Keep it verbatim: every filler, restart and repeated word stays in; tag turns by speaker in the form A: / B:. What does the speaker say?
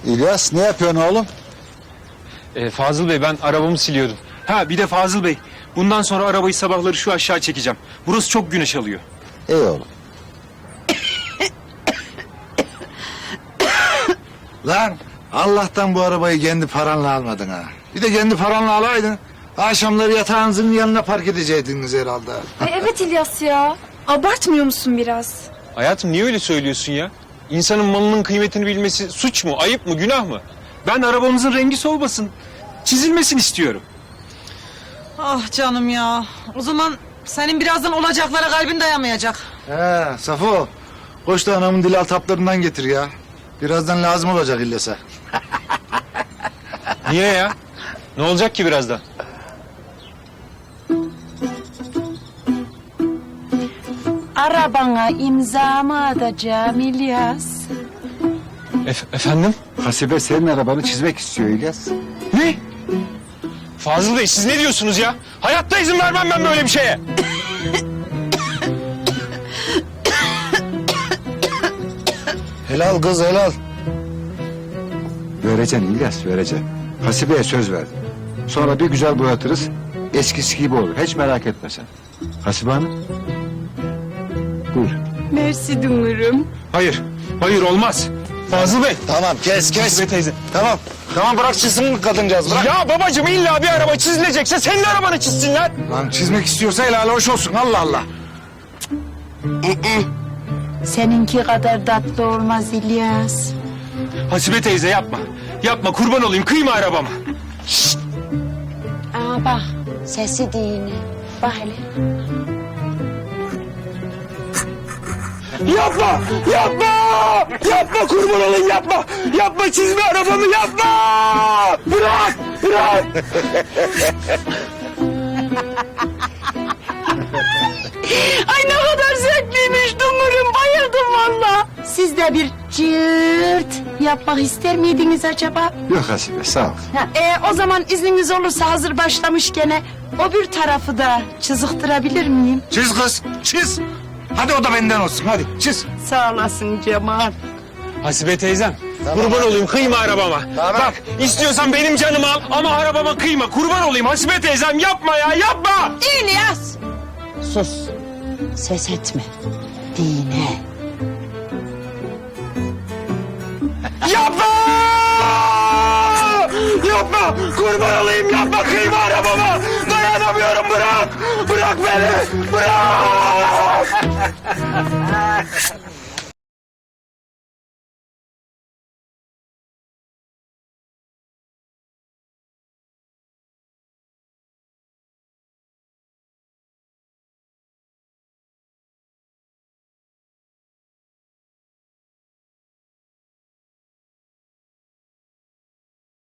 A: İlyas ne yapıyorsun oğlum?
B: Ee, Fazıl Bey, ben arabamı siliyordum. Ha, bir de Fazıl Bey, bundan sonra arabayı sabahları şu aşağı çekeceğim. Burası çok güneş alıyor.
A: İyi oğlum.
C: Lan Allah'tan bu arabayı kendi paranla almadın ha. Bir de kendi paranla alaydın. Akşamları yatağınızın yanına park edecektiniz herhalde.
D: Ay evet İlyas ya. Abartmıyor musun biraz?
B: Hayatım, niye öyle söylüyorsun ya? İnsanın malının kıymetini bilmesi suç mu, ayıp mı, günah mı? Ben arabamızın rengi solmasın, çizilmesin istiyorum.
E: Ah canım ya. O zaman senin birazdan olacaklara kalbin dayamayacak.
C: He Safo. Koş da anamın dil altaplarından getir ya. Birazdan lazım olacak İlyas'a.
B: Niye ya? Ne olacak ki birazdan?
F: Arabana imzamı atacağım İlyas.
B: Ef- efendim?
A: Hasibe senin arabanı çizmek istiyor İlyas.
B: Ne? Fazıl Bey, siz ne diyorsunuz ya? Hayatta izin vermem ben böyle bir şeye.
C: Helal kız helal.
A: Vereceksin İlyas, vereceksin. Hasibe'ye söz verdim. Sonra bir güzel boyatırız. Eskisi gibi olur. Hiç merak etme sen. Hasibe Hanım. Buyur.
F: Mersi dumurum.
B: Hayır, hayır olmaz. Fazıl Bey.
C: Tamam kes kes.
B: Hasibe teyze.
C: Tamam. Tamam bırak çizsin kadıncağız bırak.
B: Ya babacığım, illa bir araba çizilecekse senin arabanı çizsinler.
C: Lan çizmek istiyorsa helal hoş olsun Allah Allah.
F: Seninki kadar tatlı olmaz İlyas.
B: Hasibe teyze yapma. Yapma, kurban olayım, kıyma arabama.
F: Aa bak sesi dini. Bak hele.
B: Yapma! Yapma! Yapma, kurban olayım, yapma! Yapma, çizme arabamı, yapma! Bırak! Bırak!
F: Ay ne kadar zevkliymiş dumurum. Bayıldım valla. Siz de bir cırt yapmak ister miydiniz acaba?
A: Yok Hasibe sağ ol.
F: Ha, e, o zaman izniniz olursa hazır başlamışken o bir tarafı da çiziktirebilir miyim?
C: Çiz kız çiz. Hadi o da benden olsun hadi çiz.
F: Sağ olasın Cemal.
B: Hasibe teyzem, kurban olayım, kıyma arabama.
C: Tamam.
B: Bak, istiyorsan benim canımı al ama arabama kıyma. Kurban olayım Hasibe teyzem, yapma ya, yapma!
F: İlyas! Sus. Ses etme. Dine.
B: Yapma! Yapma! Kurban olayım, yapma, kıyma arabama! Dayanamıyorum, bırak! Bırak beni! Bırak!